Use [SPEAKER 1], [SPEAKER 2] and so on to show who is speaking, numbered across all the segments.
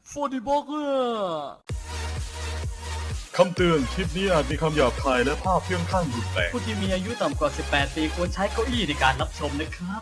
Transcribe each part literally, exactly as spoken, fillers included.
[SPEAKER 1] ฟอร์ดิบอกเกอร์
[SPEAKER 2] คำเตือนคลิปนี้อาจมีคำหยาบคายและภาพเพี้ยงข้างรุนแรง
[SPEAKER 1] ผู้ที่มีอายุต่ำกว่า สิบแปด ปีควรใช้เก้าอี้ในการรับชมนะครับ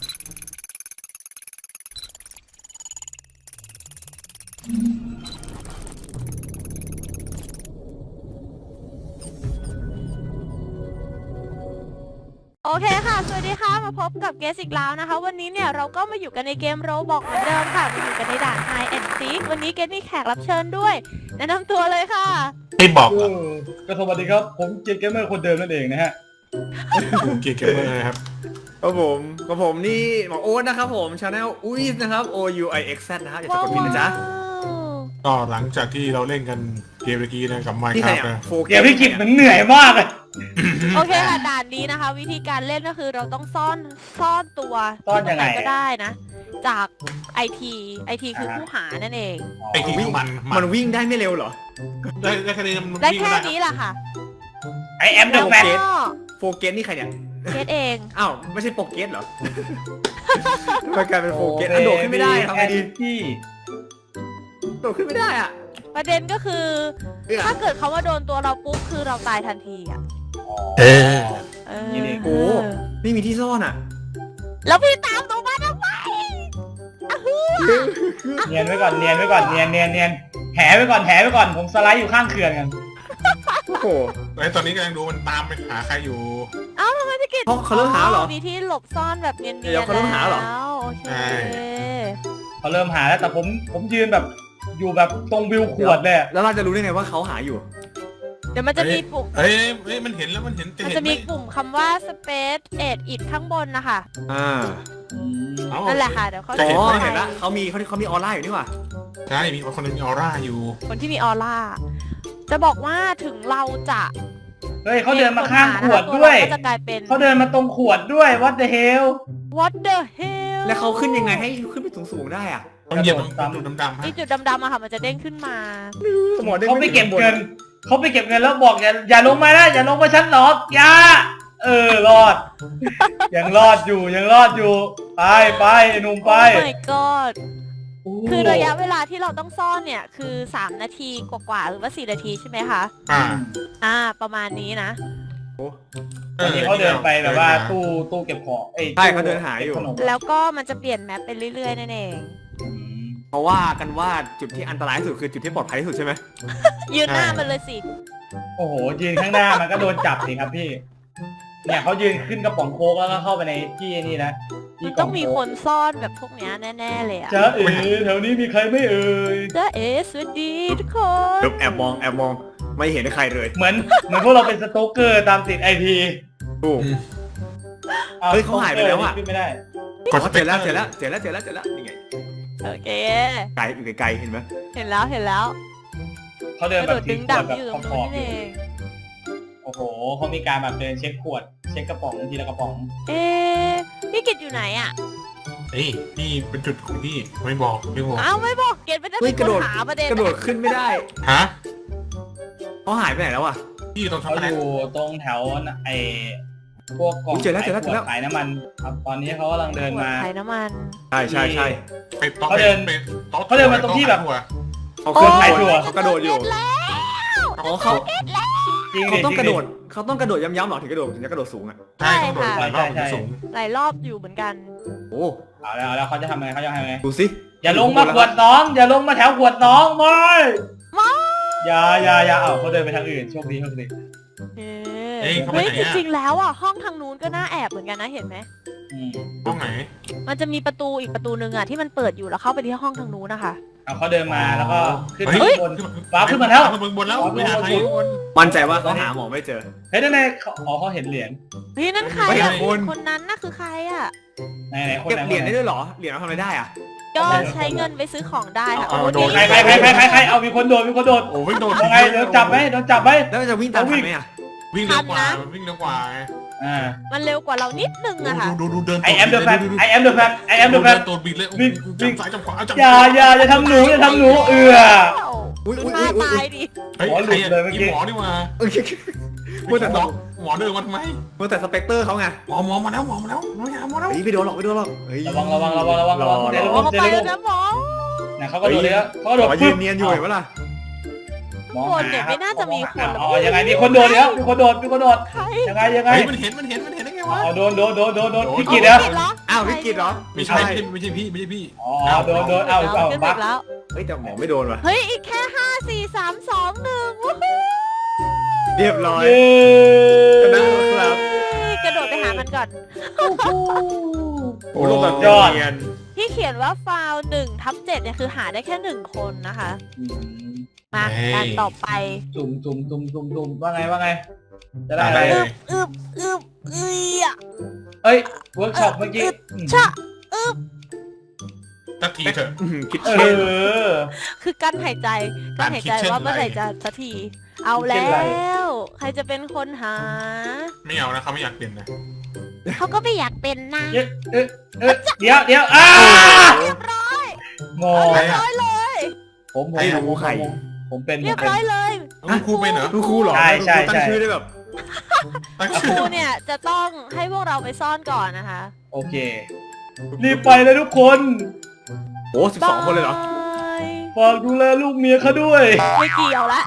[SPEAKER 3] โอเคค่ะ สวัสดีค่ะ มาพบกับเกสอีกแล้วนะคะ วันนี้เนี่ยเราก็มาอยู่กันในเกมโรบอกเหมือนเดิมค่ะมาอยู่กันในด่าน Hide and Seek วันนี้เกสมีแขกรับเชิญด้วย แนะนำตัวเลยค่ะ
[SPEAKER 4] ไม่บอกเหรอ
[SPEAKER 2] ก็สวัสดีครับ ผมเกียร์เกมเมอร์คนเดิมนั่นเองนะฮะ
[SPEAKER 4] ผมเกียร์เกมเมอร์นะครับ
[SPEAKER 5] ครับผมกับผมนี่หมอโอ๊ตนะครับผมชาแนลอุ้ยนะครับ O U I X Z นะครับอย่าสะกดผิดนะจ๊ะ
[SPEAKER 4] ก็หลังจากที่เราเล่นกันเกมเมื่อกี้นะกับไมค์
[SPEAKER 5] นี่
[SPEAKER 4] ค
[SPEAKER 5] ใคร
[SPEAKER 4] รับ
[SPEAKER 5] อ่ะ
[SPEAKER 4] นะ
[SPEAKER 5] โฟ
[SPEAKER 2] เกียร์พี่กิจมันเหนื่อยมากเลย
[SPEAKER 3] โอเคค่ะ ด่านนี้นะคะ วิธีการเล่นก็คือเราต้องซ่อนซ่อนตัว
[SPEAKER 2] ซ่อนยังไง
[SPEAKER 3] ที่ตรหก็ได้นะ จากไอทีไอทีคือผู้หานั่นเอง
[SPEAKER 4] ไอ้ที่มัน
[SPEAKER 5] มันวิ่งได้ไม่เร็วเหรอ
[SPEAKER 4] ได้ได้แค่นี้มัน
[SPEAKER 3] ได้
[SPEAKER 4] วิ่ง
[SPEAKER 3] แค่
[SPEAKER 4] ม่
[SPEAKER 3] นี้แหละค่ะ
[SPEAKER 2] ไอแอมเดอะแฟน
[SPEAKER 3] ก็
[SPEAKER 5] โฟเกสนี่ใครเนี่ย
[SPEAKER 3] เกสเอง
[SPEAKER 5] อ้าวไม่ใช่โปเกสเหรอมันกลายเป็นโฟเกสอันโดดขึ้นไม่ได้ทำไงดี
[SPEAKER 2] ที่
[SPEAKER 5] โดดขึ้นไม่ได้อ่ะ
[SPEAKER 3] ประเด็นก็คือ
[SPEAKER 5] เอื้อ
[SPEAKER 3] ถ้าเกิดเขาว่าโดนตัวเราปุ๊บคือเราตายทันทีอ่ะ
[SPEAKER 4] เออ
[SPEAKER 3] เออ
[SPEAKER 5] โอ้ไม่มีที่ซ่อนอ่ะ
[SPEAKER 3] แล้วพี่ตามตรงมาทำไมอะฮือ
[SPEAKER 2] เนียนไว้ก่อนเนียนไว้ก่อนเนียนเนียนเนียนแหไว้ก่อนแหไว้ก่อนผมสไลด์อยู่ข้างเขื่อนกัน
[SPEAKER 5] โอ้โห
[SPEAKER 4] ไอ้ตอนนี้กำลังดูมันตามไปหาใครอยู่
[SPEAKER 3] เอ้าทำไมพี่กิต
[SPEAKER 5] เขาเขาเริ่มหาเหรอ
[SPEAKER 3] มีที่หลบซ่อนแบบเนียนๆ
[SPEAKER 5] เดี๋ยวเขาเริ่มหาเหรอ
[SPEAKER 3] แล้วโอเค
[SPEAKER 4] ใช่
[SPEAKER 2] เขาเริ่มหาแล้วแต่ผมผมยืนแบบอยู่แบบตรงวิวขวดเลยอะ
[SPEAKER 5] แล้วเราจะรู้ได้ไงว่าเขาหาอยู่
[SPEAKER 3] เดี๋ยวมันจะมีปุ่ม
[SPEAKER 4] เอ้ยเอ้ยมันเห็นแล้วมันเห็นแต่
[SPEAKER 3] มัน
[SPEAKER 4] เห็น
[SPEAKER 3] จะ
[SPEAKER 4] ไหม
[SPEAKER 3] มีปุ่มคำว่า space edit it ข้างบนนะคะ
[SPEAKER 5] อ่า
[SPEAKER 4] เอา
[SPEAKER 3] นั่นแหละค่ะเดี๋ยวเขา
[SPEAKER 5] อ๋
[SPEAKER 3] จะ
[SPEAKER 5] อ
[SPEAKER 3] ให้
[SPEAKER 5] เห็นละเขามีเขาเขามีออร่าอยู่นี่หว่า
[SPEAKER 4] ใช่มีคนนึงมีออร่าอยู่
[SPEAKER 3] คนที่มีออร่า จะบอกว่าถึงเราจะ
[SPEAKER 2] เฮ้ยเขาเดินมาข้างขวดด้วย
[SPEAKER 3] ตัวเราก็จะกลายเป็น
[SPEAKER 2] เขาเดินมาตรงขวดด้วย what the hell
[SPEAKER 3] what the hell
[SPEAKER 5] แล้วเขาขึ้นยังไงให้ขึ้นไปสูงๆได้อ่ะ
[SPEAKER 4] ต้องเหยียบตรง
[SPEAKER 2] ตาม
[SPEAKER 4] จุดดำๆฮะ
[SPEAKER 3] ไอจุดดำๆอะค่ะมันจะเด้งขึ้นมา
[SPEAKER 5] สมองด้ง
[SPEAKER 2] เขาไปเก็บเงินเขาไปเก็บเงินแล้วบอกอย่าอย่าลงมานะอย่าลงมาชั้นหรอกอย่าเออรอด ยังรอดอยู่ยังรอดอยู่ไปไปไอ้หนุ่มไป
[SPEAKER 3] Oh my god คือระยะเวลาที่เราต้องซ่อนเนี่ยคือสามนาทีกว่าๆหรือว่าสี่นาทีใช่ไหมคะ
[SPEAKER 4] อ่า
[SPEAKER 3] อ่าประมาณนี้นะ
[SPEAKER 2] ตอนนี้เขาเดินไปแบบว่าตู้ตู้เก็บของอ้ย
[SPEAKER 5] ใช่เขาเดินหาอยู่
[SPEAKER 2] ขนม
[SPEAKER 3] แล้วก็มันจะเปลี่ยนแมปไปเรื่อยๆนั่นเอง
[SPEAKER 2] อืม
[SPEAKER 5] เพราะว่ากันว่าจุดที่อันตรายที่สุดคือจุดที่ปลอดภัยที่สุดใช่ไหม
[SPEAKER 3] ยืนหน้ามันเลยสิ
[SPEAKER 2] โอ้โหยืนข้างหน้ามันก็โดนจับสิครับพี่ เนี่ยเขายืนขึ้นกระป๋องโค้กแล้วก็เข้าไปในที่นี่นะที่
[SPEAKER 3] มันต้องมีคนซ่อนแบบพวกเนี้ยแน่ๆเลยอะ
[SPEAKER 2] เจ้าเอ๋แถวนี้มีใครไม่เอ่ย
[SPEAKER 3] เจ้าเอสวัสดีทุกคน
[SPEAKER 5] แอบมองแอบมองไม่เห็นใครเลย
[SPEAKER 2] เหมือนเหมือนพวกเราเป็นสโตเกอร์ตามติดไอที
[SPEAKER 5] ถูก เฮ้ยเขาหายไปแล้วอะ
[SPEAKER 2] ขึ้นไม่ได้
[SPEAKER 4] กด
[SPEAKER 5] อ๋อเจอแล้วเจอแล้วเจอแล้วเจอแล้วเจอแล้วนี่ไง
[SPEAKER 3] โอเค
[SPEAKER 5] ไกลอยู่ไกลๆเห็นไหม
[SPEAKER 3] เห็นแล้วเห็นแล้ว
[SPEAKER 2] เขา
[SPEAKER 3] ก
[SPEAKER 2] เดิน
[SPEAKER 3] ระ
[SPEAKER 2] แบ
[SPEAKER 3] โด
[SPEAKER 2] บ
[SPEAKER 3] ด
[SPEAKER 2] ถื
[SPEAKER 3] ดึ
[SPEAKER 2] อง ขว
[SPEAKER 3] ดั
[SPEAKER 2] ด
[SPEAKER 3] บ
[SPEAKER 2] แบบ
[SPEAKER 3] อยู่
[SPEAKER 2] ข
[SPEAKER 3] ตรง
[SPEAKER 2] อบ
[SPEAKER 3] นี้
[SPEAKER 2] ๆอ
[SPEAKER 3] นี่เอยู่ ง
[SPEAKER 2] โอ้โหเขามีการแบบเดินเช็คขวด เช็คกระป๋องทีละกระป๋อง
[SPEAKER 3] เอ๊ะพี่กิตอยู่ไหนอะ
[SPEAKER 4] เฮ้ยนี่เป็นจุดของพี่ไม่บอกไม่บอก
[SPEAKER 3] อ้าวไม่บอกเกตไม่ได้
[SPEAKER 5] เฮ้
[SPEAKER 3] เป็
[SPEAKER 5] ย
[SPEAKER 3] น
[SPEAKER 5] กระ
[SPEAKER 3] ค
[SPEAKER 5] โด
[SPEAKER 3] น
[SPEAKER 5] ด
[SPEAKER 3] หาประเด็น
[SPEAKER 5] กระโดดขึ้นไม่ได้
[SPEAKER 4] ฮะ
[SPEAKER 5] เขาหายไปไหนแล้วอ่ะ
[SPEAKER 4] พี่ตรงช็อก
[SPEAKER 2] เขา
[SPEAKER 4] โกแล
[SPEAKER 2] อ
[SPEAKER 4] ต
[SPEAKER 2] ยู่ตรงแถวไอ้พวกกล่อง
[SPEAKER 5] อุ๊ยเจอแล้วเจอแล้ว
[SPEAKER 2] ขายข
[SPEAKER 5] เจอแล้ว
[SPEAKER 2] ขายน้ำมันครับตอนนี้เขากำลังเดินมา
[SPEAKER 3] ขายน้ำมัน
[SPEAKER 5] ใช่ใช่ใช่
[SPEAKER 4] ไปโต๊ะ
[SPEAKER 2] เขาเดิน
[SPEAKER 4] ไปโต๊ะ
[SPEAKER 2] เขาเดินมาตรงที่แบบ
[SPEAKER 4] โต๊ะ
[SPEAKER 5] เขาเคลื่อน
[SPEAKER 2] โอ้ย
[SPEAKER 5] ตัวเขากระโดดอยู่
[SPEAKER 3] แล้ว
[SPEAKER 5] อ๋อเขา
[SPEAKER 2] จริง
[SPEAKER 5] เขา
[SPEAKER 2] ดิ
[SPEAKER 5] ต้อง
[SPEAKER 2] จ
[SPEAKER 5] ก
[SPEAKER 2] ริ
[SPEAKER 5] ระ
[SPEAKER 2] ง
[SPEAKER 5] โด
[SPEAKER 2] ดิ
[SPEAKER 5] ดเขาต้องกระโดดย้ำๆหรอถึงกระโดดถึงจะกระโดดสูงอ่ะ
[SPEAKER 4] ใช่ต้องโดดหลายรอบ
[SPEAKER 2] ใช่
[SPEAKER 4] ถึง
[SPEAKER 2] ใช่
[SPEAKER 4] สูง
[SPEAKER 3] หลายรอบอยู่เหมือนกัน
[SPEAKER 5] โอ้
[SPEAKER 2] เอาแล้วเอาแล้วเขาจะทำไงเขาจะทำไง
[SPEAKER 5] ดูสิ
[SPEAKER 2] อย่าลงมาขวดน้อง อย่าลงมาแถวขวดน้องไม่
[SPEAKER 3] ไม่
[SPEAKER 2] อย่าอย่าอย่าเอาเขาเดินไปทางอื่นโชคดีโชคดี
[SPEAKER 3] เฮ้
[SPEAKER 4] เอ้ย
[SPEAKER 3] ย
[SPEAKER 4] เขาไป
[SPEAKER 3] เฮ้ย
[SPEAKER 4] ไหน
[SPEAKER 3] จ
[SPEAKER 4] อะ
[SPEAKER 3] ริงๆแล้วอ่ะห้องทางนู้นก็น่าแอบเหมือนกันนะเห็นไหม
[SPEAKER 2] อืม
[SPEAKER 4] ห้องไหน
[SPEAKER 3] มันจะมีประตูอีกประตูหนึ่งอ่ะที่มันเปิดอยู่แล้วเข้าไปที่ห้องทางนู้นนะคะ
[SPEAKER 2] เอาเขาเดินมาแล้วก็ขึ้น
[SPEAKER 4] เฮ้ย
[SPEAKER 2] ข้างบน ว้าวขึ้นมาแล้ว
[SPEAKER 4] ขึ้นมาบนแล้วไปหาใครบน
[SPEAKER 5] มั่นใจว่าเขาหาหมอไม่เจอ
[SPEAKER 2] เฮ้ยนั่นไงเขาอ๋อเขาเห็นเหรียญ
[SPEAKER 3] เฮ้ยนั่นใคร
[SPEAKER 5] ไม่
[SPEAKER 3] อ่ะ
[SPEAKER 5] เห็นคน
[SPEAKER 3] คนนั้นน่ะคือใครอ่ะ
[SPEAKER 2] ไหนไหนคน
[SPEAKER 5] เก็บ
[SPEAKER 2] ไหน
[SPEAKER 5] เหรียญได้ด้วยเหรอเหรียญเราทำอะไรได้อ่ะ
[SPEAKER 3] ก็ใช้เงินไปซื้อของได้ค่ะ
[SPEAKER 4] เอา
[SPEAKER 3] โอ้
[SPEAKER 4] โดน
[SPEAKER 3] ดี
[SPEAKER 2] ใครใครใครใครใครใครเอามีคนโดนมีคนโดน
[SPEAKER 4] โอ้ยโดน
[SPEAKER 2] ยังไงโดนจับไหมโดนจับไหม
[SPEAKER 5] แล้วมันจะวิ่งตามทันไหมอ่ะ
[SPEAKER 4] วิ่งเร็วกว่าวิ่งเร็วกว่า
[SPEAKER 2] อ่า
[SPEAKER 3] มันเร็วกว่าเรานิดนึงอะค่ะ
[SPEAKER 4] ดูดูดูเดิน
[SPEAKER 2] I am the fan I am the fan I am the
[SPEAKER 4] เดิ
[SPEAKER 2] fan
[SPEAKER 4] นตัวบิดเลย
[SPEAKER 2] วิ่งวิ่
[SPEAKER 4] จับ
[SPEAKER 2] ง
[SPEAKER 4] ซ้ายจับขวาจับ
[SPEAKER 2] อย่าอย่าอย่าทำหนูอย่าทำหนูเอือ
[SPEAKER 5] อุ้ย
[SPEAKER 3] ดู
[SPEAKER 5] อุ้ย
[SPEAKER 3] ท่า
[SPEAKER 5] อุ้ย
[SPEAKER 3] ตายดิ
[SPEAKER 4] เฮ้ย
[SPEAKER 2] หมอหลุดเลยเมื่อกี้
[SPEAKER 4] หมอนี่มา
[SPEAKER 5] อุ้ย
[SPEAKER 4] มัวแต่น้องหมอเดินมาทำไม
[SPEAKER 5] มัวแต่สเปกเตอร์เขาไง
[SPEAKER 4] หมอหมอมาแล้วหมอมาแล้วหมอมาหมอแล้ว
[SPEAKER 5] เฮ้ยไม่โดนหรอกไม่โดนหรอกเฮ้ย
[SPEAKER 2] ระวังระวังระวังระวังระวัง
[SPEAKER 5] รอ
[SPEAKER 2] เดี๋ยว
[SPEAKER 3] โอ้
[SPEAKER 2] ระวัง
[SPEAKER 3] เขา
[SPEAKER 2] เดี๋ยว
[SPEAKER 3] ไป
[SPEAKER 2] ระ
[SPEAKER 3] แล้
[SPEAKER 2] วั
[SPEAKER 3] ว
[SPEAKER 2] ง
[SPEAKER 3] นะหมอ
[SPEAKER 2] นะเขาก็โดดเลยแล้วเขาก็โดด
[SPEAKER 5] ขอยืนเนียนอยู่เห็นปะล่ะ
[SPEAKER 2] มอง
[SPEAKER 3] คน
[SPEAKER 2] หา
[SPEAKER 3] เนี่ย
[SPEAKER 2] ครับ
[SPEAKER 3] ไม่น่าจะมีคนหรอก
[SPEAKER 2] อ๋อยังไงมีคนโดดแล้วมีคนโดดมีคนโดด
[SPEAKER 3] ใคร
[SPEAKER 2] ยังไงยังไง
[SPEAKER 4] เฮ้ยมันเห็นมันเห็นมันเห็นมันเห็นได้ไงวะ
[SPEAKER 2] อ๋อโดนโดนโดนโดนโดน
[SPEAKER 4] โดน
[SPEAKER 2] พี่กิตแล้ว
[SPEAKER 3] ผิดเหรอ
[SPEAKER 5] อ้าวพี่กิตเหรอ
[SPEAKER 4] ไม่ใช่ไม่ใช่ไม่ใช่พี่ไม่ใช่พี่
[SPEAKER 2] อ๋อโดนโดนเอาเอา
[SPEAKER 3] ขึ้น
[SPEAKER 2] บั
[SPEAKER 3] อี
[SPEAKER 2] ก
[SPEAKER 3] กแล้ว
[SPEAKER 5] เฮ้ยแต่หมอไม่โดนว่ะ
[SPEAKER 3] เฮ้ยอีกแค่ห้าสี่สามสองหนึ่งวู้ฮู้
[SPEAKER 5] เรียบร้อย
[SPEAKER 2] เย้
[SPEAKER 5] ชนะครับ
[SPEAKER 3] กระโดดไปหามันก่อน
[SPEAKER 5] โอ้ลงแบบ
[SPEAKER 2] ยอด
[SPEAKER 5] เนียน
[SPEAKER 3] ที่เขียนว่าฟาวหนึ่งทับเจ็ดเนี่ยคือหาได้แค่หนึ่งคนนะคะ
[SPEAKER 2] อืม
[SPEAKER 3] มาการต่อไป
[SPEAKER 2] จุ่มจุ่มจุ่มจุ่มจุ่มว่าไงว่าไง จะได้อะไร
[SPEAKER 3] อึบอึบอึบเอ้ยอะ
[SPEAKER 2] เอ้ยเวิร์กช็อปเมื่อกี้
[SPEAKER 3] ชะอึบ
[SPEAKER 4] สักทีเถอะ
[SPEAKER 5] อื้อหือคิด
[SPEAKER 2] เอ
[SPEAKER 5] เช่น
[SPEAKER 2] อ
[SPEAKER 3] คือกั้นหายใจกั้นหายใจว่าเมื่อไหร่จะสักที เอาแล้ว ใครจะเป็นคนหา
[SPEAKER 4] ไม่เอานะเขาไม่อยากเปลี่ยนนะ
[SPEAKER 3] เขาก็ไม่อยากเป็นนะ
[SPEAKER 2] เอ๊ะเอ๊ะเอ๊ะเดี๋ยวเดี๋ยวอ้า
[SPEAKER 3] เรียบร้อย
[SPEAKER 2] งอ
[SPEAKER 3] เรียบร้อยเลย
[SPEAKER 2] ผมผมผมผมผมเป็น
[SPEAKER 3] เรียบร้อยเลย
[SPEAKER 4] คุณครูเป็นเหรอ
[SPEAKER 5] คุณครูเหรอ
[SPEAKER 2] ใช่ใช่
[SPEAKER 5] คุณครูตั้ง
[SPEAKER 2] ใช่
[SPEAKER 5] ชื่อได้แบบ
[SPEAKER 4] ตั้ง
[SPEAKER 3] ค
[SPEAKER 4] ชื่อ
[SPEAKER 3] รูเนี่ยจะต้องให้พวกเราไปซ่อนก่อนนะคะ
[SPEAKER 2] โอเค รีบไปเลยทุกคน
[SPEAKER 5] โอ้สิบสองคนเลยเหรอ
[SPEAKER 3] บาย
[SPEAKER 2] ฝากดูแลลูกเมียเขาด้วย
[SPEAKER 3] ไม่เกี่ยวละ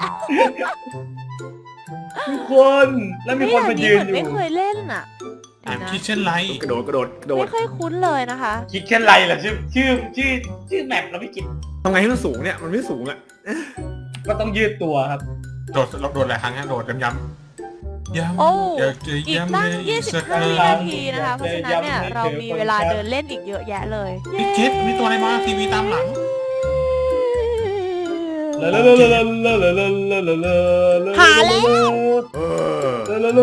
[SPEAKER 2] ทุกคนแล้วมีคนมายืนอยู่
[SPEAKER 3] ไม่เคยเล่นอ่ะ
[SPEAKER 4] อ่าน
[SPEAKER 3] เดี๋ยวนะ
[SPEAKER 4] คิดเช่นไร
[SPEAKER 5] กระโดดกระโดดกระโดด
[SPEAKER 3] ไม่ค่อยคุ้นเลยนะคะ
[SPEAKER 2] คิดแค่ไรล่ะชื่อชื่อชื่อชื่อแมปเราไม่คิด
[SPEAKER 5] ทำไงให้มันสูงเนี่ยมันไม่สูงอ่ะ
[SPEAKER 2] ก็ต้องยืดตัวครับ
[SPEAKER 4] โดดโดดหลายครั้งฮะโดดย้ำย้ำย้ำ
[SPEAKER 3] โอ้
[SPEAKER 4] อยากจะ
[SPEAKER 3] อีก
[SPEAKER 4] ย้ำ
[SPEAKER 3] ตั้ง
[SPEAKER 4] เลย
[SPEAKER 3] ยี่สิบ
[SPEAKER 4] สัก
[SPEAKER 3] ห้า
[SPEAKER 4] ค
[SPEAKER 3] วิ
[SPEAKER 4] รั้
[SPEAKER 3] นาง ทีนะคะ เพราะฉะนั้นเนี่ยเรามีเวลาเดินเล่นอีกเยอะแยะเลย
[SPEAKER 4] พี่เจ็ดมีตัวอะไรมาทีวีตามหลัง
[SPEAKER 3] หาแล้ว
[SPEAKER 5] เออ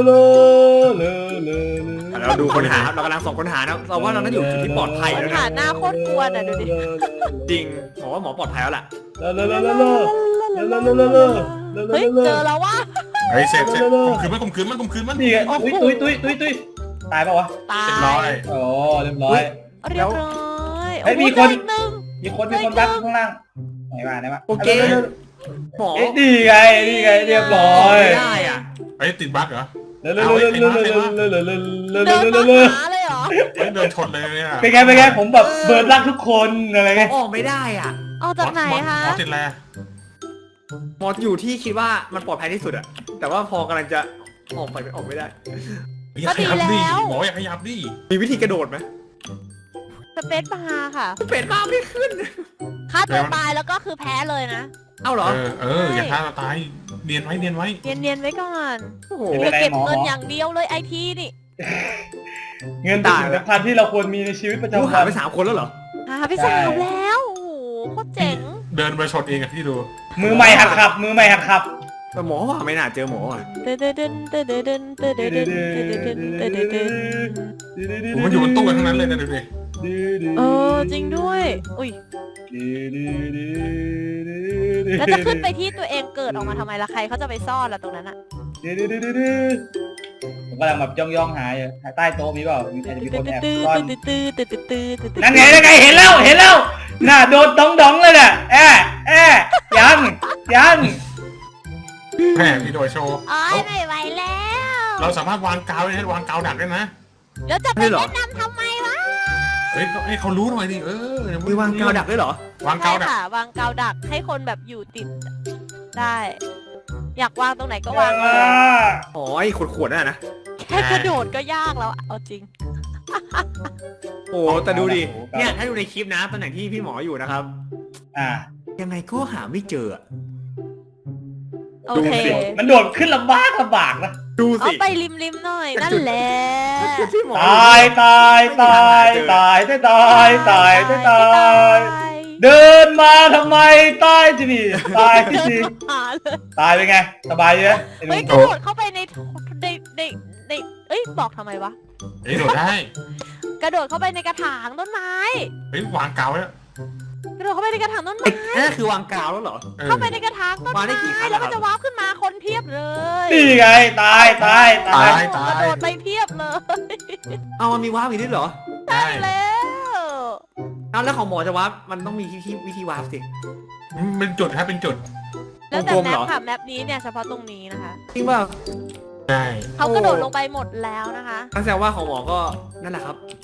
[SPEAKER 5] เราดูคนหาครับเรากำลังส่องคนหานะเราว่าเราน่าอยู่จุดที่ปลอดภัย
[SPEAKER 3] ปั
[SPEAKER 5] แล้
[SPEAKER 3] ญ
[SPEAKER 5] ว
[SPEAKER 3] หา
[SPEAKER 5] นะ
[SPEAKER 3] หน้าโคตรกวนอ่ะดูดิ
[SPEAKER 5] จริงหมอว่าหมอปลอดภัยแล้วล่ะ
[SPEAKER 3] เฮ้ยเจอแล้ววะ
[SPEAKER 4] เฮ้ยเสร็จเสร็จข่มขืนมันข่มขืนมันข่มขืนมัน
[SPEAKER 2] นี่ไงตุ้ยตุ้ยตุ้ยตุ้ยตุ้ยตายป่าวะ
[SPEAKER 3] ตา
[SPEAKER 4] เรียบร้อย
[SPEAKER 3] ย
[SPEAKER 2] โอ้เรียบร้อย
[SPEAKER 3] เรียบร้อย
[SPEAKER 2] เฮ้ย
[SPEAKER 3] โอ้โห
[SPEAKER 2] มีคน
[SPEAKER 3] เจออีกหนึ่ง
[SPEAKER 2] มีคนมีคนรักข้างล่างไหนมาไหนมา
[SPEAKER 5] โอเคหมอ
[SPEAKER 2] เอ๊ะนี่ไงนี่ไงเรียบร้อย
[SPEAKER 5] ไม่ได้อ่ะ
[SPEAKER 4] เฮ้ยติดบั๊กเหรอ
[SPEAKER 2] เร็วเร็วเร็วเร็วเร็วเร็วเร็วเร็วเร็ว
[SPEAKER 3] เดิน
[SPEAKER 2] เร็ว
[SPEAKER 3] มา
[SPEAKER 2] เร็วเร็ว
[SPEAKER 3] หาเลยเหรอ
[SPEAKER 4] เฮ้ยเดินชนเลยเนี่ย
[SPEAKER 2] เป็นไงเป็นไงผมแบบเบิร์ดรักทุกคนอะไรเงี้ย
[SPEAKER 5] ออกไม่ได้อ่ะ
[SPEAKER 3] เอาจากไหนคะ
[SPEAKER 4] หมอติดอะไร
[SPEAKER 5] หมออยู่ที่คิดว่ามันปลอดภัยที่สุดอะแต่ว่าพอกำลังจะออกไปออกไม่ได้
[SPEAKER 4] อย่าขยับดิหมออย่าขยับดิ
[SPEAKER 5] มีวิธีกระโดดไหม
[SPEAKER 3] สเปซบาร์ค่ะ
[SPEAKER 5] เป็นบ้าไม่ขึ้น
[SPEAKER 3] ฆ่าตัวตายแล้วก็คือแพ้เลยนะ
[SPEAKER 5] เอ้าเหรอ
[SPEAKER 4] เออเอออย่าฆ่าตัวตายเนียนไว้เนียนไว้
[SPEAKER 3] เนียนๆไว้ก่อน
[SPEAKER 5] โอ้โห
[SPEAKER 3] เพื่อเก็บเงินอย่างเดียวเลยไอทีนี่
[SPEAKER 2] เงินเป็นสิ่งสำคัญที่เราควรมีในชีวิตประ
[SPEAKER 5] รู้
[SPEAKER 2] จำ
[SPEAKER 5] หา
[SPEAKER 2] วัน
[SPEAKER 5] ไปสามคนแล้วเหรอ
[SPEAKER 3] หาไปสามแล้วโอ้โหโคตรเจ๋ง
[SPEAKER 4] เดินไปชนเองอะที่ดู
[SPEAKER 2] มือใหม่หัดขับ มือใหม่หัดขับ
[SPEAKER 5] แต่หมอว่าไม่น่าเจอหมออ่ะ
[SPEAKER 3] เดินเดินเดินเดินเดินเดินเดินเดินเดินเดินเดินเดินเดิน
[SPEAKER 4] ผมมันอยู่บนตู้กันทั้งนั้นเลยนะดูดิ
[SPEAKER 3] เออจริงด้วย อุ้ยแล้วจะขึ้นไปที่ตัวเองเกิดออกมาทำไมล่ะใครเขาจะไปซ่อนล่ะตรงนั้นอะ
[SPEAKER 2] ผมกำลังแบบย่องย่องหาอยู่ใต้โต๊ะมีเปล่ามีใครจะมีคนแอบซ่อน
[SPEAKER 3] ตื้อตื้อตื้อตื้อตื้อตื้อตื้อ
[SPEAKER 2] นั่นไงนั่นไงเห็นแล้วเห็นแล้วน่ะโดนดองดองเลยน่ะแอะแอะยังยัง
[SPEAKER 4] แม่พี่โดยโชว์
[SPEAKER 3] อ๋อไม่ไหวแล้ว
[SPEAKER 4] เราสามารถวางกาวได้นะวางกาวดักได้นะ
[SPEAKER 3] แล้วจะไปแนะนำทำไมวะ
[SPEAKER 4] เฮ้ยให้เขารู้หน่อยดิเออ
[SPEAKER 5] มีวางกาวดักด้วยเหรอ
[SPEAKER 4] วาง
[SPEAKER 3] ใช่
[SPEAKER 4] กาวดัก
[SPEAKER 3] ค่ะวางกาวดักให้คนแบบอยู่ติดได้ อยากวางตรงไหนก็วางเลย
[SPEAKER 5] อ๋อไอ้ขวดๆนั่นนะ
[SPEAKER 3] แค่กระโดดก็ยากแล้วอะเอาจริง
[SPEAKER 5] โอ้แต่ดูดิ เนี่ยถ้าดูในคลิปนะตำแหน่งที่พี่หมออยู่นะครับ
[SPEAKER 2] อ่า
[SPEAKER 5] ยังไงก็หาไม่เจออะ
[SPEAKER 3] โอเค
[SPEAKER 5] ดูสิ
[SPEAKER 2] มันโดดขึ้นลำบากลำบากนะ
[SPEAKER 5] ดู
[SPEAKER 3] เอา
[SPEAKER 5] สิ
[SPEAKER 3] ไปริมริมๆหน่อยนั่นแหละ
[SPEAKER 5] จุดที่หมอ
[SPEAKER 2] ตายตายตายตายตายตายตายตายตายเดินมาทำไมตายจีนี่ตายที่จี
[SPEAKER 3] หาเลย
[SPEAKER 2] ตายเป็นไงสบายเยอะ
[SPEAKER 3] เฮ้ยกระโดดเข้าไปในในในในเอ้ยบอกทำไมวะ
[SPEAKER 4] เฮ้ยโดดได้
[SPEAKER 3] กระโดดเข้าไปในกระถางต้นไม้
[SPEAKER 4] เฮ้ยวางกาวแล้ว
[SPEAKER 3] กระโดดเข้าไปในกระถางต้น
[SPEAKER 5] ไอ้
[SPEAKER 3] ไม้
[SPEAKER 5] นั่นคือวางกาวแล้วเหรอ
[SPEAKER 3] เข้าไปในกระถางต้น
[SPEAKER 5] วางได้
[SPEAKER 3] ไม้
[SPEAKER 5] กี่ครั้ง
[SPEAKER 3] แล้ว
[SPEAKER 5] อะครั
[SPEAKER 3] มัน
[SPEAKER 5] บ
[SPEAKER 3] จะว้าวขึ้นมาคนเพียบเลย
[SPEAKER 2] นี่ไงตายตายตาย
[SPEAKER 4] ตายตาก
[SPEAKER 3] ระ
[SPEAKER 4] ย
[SPEAKER 3] โดดไปเพียบเลย
[SPEAKER 5] เอามันมีวาร์ปอีกด้วยเหรอ
[SPEAKER 4] ใช่
[SPEAKER 3] แล้ว
[SPEAKER 5] เอาแล้วของหมอจะวาร์ปมันต้องมีวิธีวิธีวาร์ปสิ
[SPEAKER 4] เป็นจุดครับเป็นจุด
[SPEAKER 3] แล้วแต่
[SPEAKER 5] วงกลม
[SPEAKER 3] แม
[SPEAKER 5] เหร
[SPEAKER 3] ป
[SPEAKER 5] อ
[SPEAKER 3] ค่ะแมปนี้เนี่ยเฉพาะตรงนี้นะคะ
[SPEAKER 5] จริงเปล่า
[SPEAKER 4] ใช่
[SPEAKER 3] เขากระโดดลงไปหมดแล้วนะคะ
[SPEAKER 5] นั่นแสดงว่าของหมอก็นั่นแหละครับ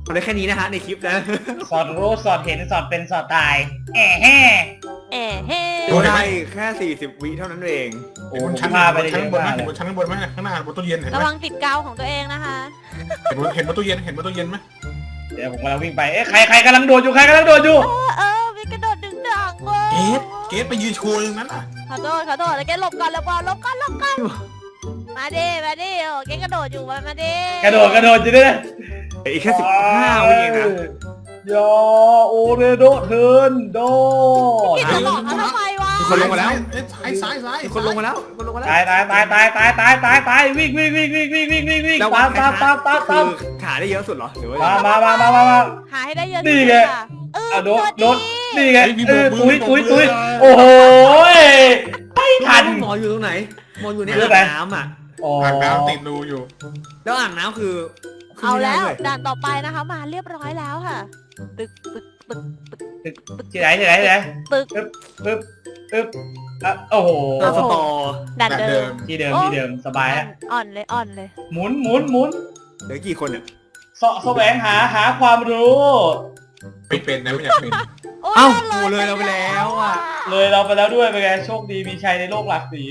[SPEAKER 5] เอาได้แค่นี้นะฮะในคลิปนะ
[SPEAKER 2] สอดรู้สอดเห็นสอดเป็นสอดตายแอะแห่
[SPEAKER 3] เอ๋เฮ้
[SPEAKER 5] ดูได้แค่สี่สิบวิเท่านั้นเอง
[SPEAKER 2] โอ้
[SPEAKER 4] เห็นบนชั้น
[SPEAKER 2] พาไป
[SPEAKER 4] บน
[SPEAKER 2] ได้
[SPEAKER 4] ชั้น
[SPEAKER 2] เยอะ
[SPEAKER 4] บนไหม
[SPEAKER 2] มากเล
[SPEAKER 4] เห็น
[SPEAKER 2] ย
[SPEAKER 4] บนชั้นบนไหมข้างหน้าบนตู้เย็นเห็นไห
[SPEAKER 3] ระ
[SPEAKER 4] ม
[SPEAKER 3] วังติดกาวของตัวเองนะคะ
[SPEAKER 4] เห็นบนเห็นบนตู้เย็นเห็นบนตู้เย็นไหม
[SPEAKER 2] เดี๋ยวผมกำลังวิ่งไปเอ๊ะใครใครกำลังโดดอยู่ใครกำลังโดดอยู่
[SPEAKER 3] เออเออมีกระโดดดึงดังเว้ย
[SPEAKER 4] เกสเกสไปยืนโชว์ตรงนั้นอ่ะ
[SPEAKER 3] ขอโทษขอโทษแล้วแกหลบก่อนหลบก่อนหลบก่อนหลบก่อนมาดิมาดิโอ้แกกระโดดอยู่มามาดิ
[SPEAKER 2] กระโดดกระโดดอยู่ด้วยนะ
[SPEAKER 5] อีกแค่สิบห้าวิเองนะ
[SPEAKER 2] ยาโอเรโดเทิร์นโด
[SPEAKER 3] พี่จะหลอกเขาทำไมวะ
[SPEAKER 5] มีคนลงมาแล้ว
[SPEAKER 4] เอ้ยซ้ายซ้ายซ้าย
[SPEAKER 5] มีคนลงมาแล้วคนลงมาแล้ว
[SPEAKER 2] ตายตายตายตายตายตายตายตายวิ่งวิ่งวิ่งวิ่งวิ่งวิ่งวิ่งวิ่ง
[SPEAKER 5] แล้ว
[SPEAKER 2] ตามตามตามตามตาม
[SPEAKER 5] คือขาได้เยอะสุดเหรอหรือว่า
[SPEAKER 2] มามามามามามา
[SPEAKER 3] หาให้ได้เยอะ
[SPEAKER 2] นี่
[SPEAKER 3] ที่สุ
[SPEAKER 2] ไง
[SPEAKER 3] ดค่ะเออ
[SPEAKER 2] อ่ะโดด
[SPEAKER 3] สวัส
[SPEAKER 2] โดดนี่ไงเออตุยตุยตุย
[SPEAKER 4] โอ้
[SPEAKER 2] โอ้โหไม่ทัน
[SPEAKER 5] หมออยู่ตรงไหนหมออยู่ใน
[SPEAKER 2] คือ
[SPEAKER 5] อ่า
[SPEAKER 2] อะไร
[SPEAKER 5] งน้ำอ่ะ
[SPEAKER 2] อ๋อ
[SPEAKER 4] อ่างน้ำติดรูอยู่
[SPEAKER 5] แล้วอ่างน้ำคือขึ้น
[SPEAKER 3] เอา
[SPEAKER 5] ไม่ได้
[SPEAKER 3] แล้ว
[SPEAKER 5] ด้วย
[SPEAKER 3] ด่านต่อไปนะคะมาเรียบร้อยแล้วค่ะ ตึกตึกตึกตึก
[SPEAKER 2] ที่ไหนที่ไหนที่ไหน
[SPEAKER 3] ตึก
[SPEAKER 2] ปึ๊บปึ๊บปึ๊บอ่ะโอ้โห
[SPEAKER 5] เออสตอ
[SPEAKER 3] ด่านเดิม
[SPEAKER 2] ที่เดิมที่เดิมสบายฮะ
[SPEAKER 3] อ่อนเลยอ่อนเลย
[SPEAKER 2] หมุนหมุนหมุน
[SPEAKER 5] เหลือกี่คนเนี่ย
[SPEAKER 2] เสาะแสวงหาหาความรู้
[SPEAKER 4] ไม่เป็นนะไม่อยากเป็น
[SPEAKER 3] โอ้ย
[SPEAKER 5] เอ้า
[SPEAKER 3] ล
[SPEAKER 5] โหเลยเราไปแล้วอ่ะ
[SPEAKER 2] เลยเราไปแล้วด้วยเป็นไงโชคดีมีชัยในโลกหลากสี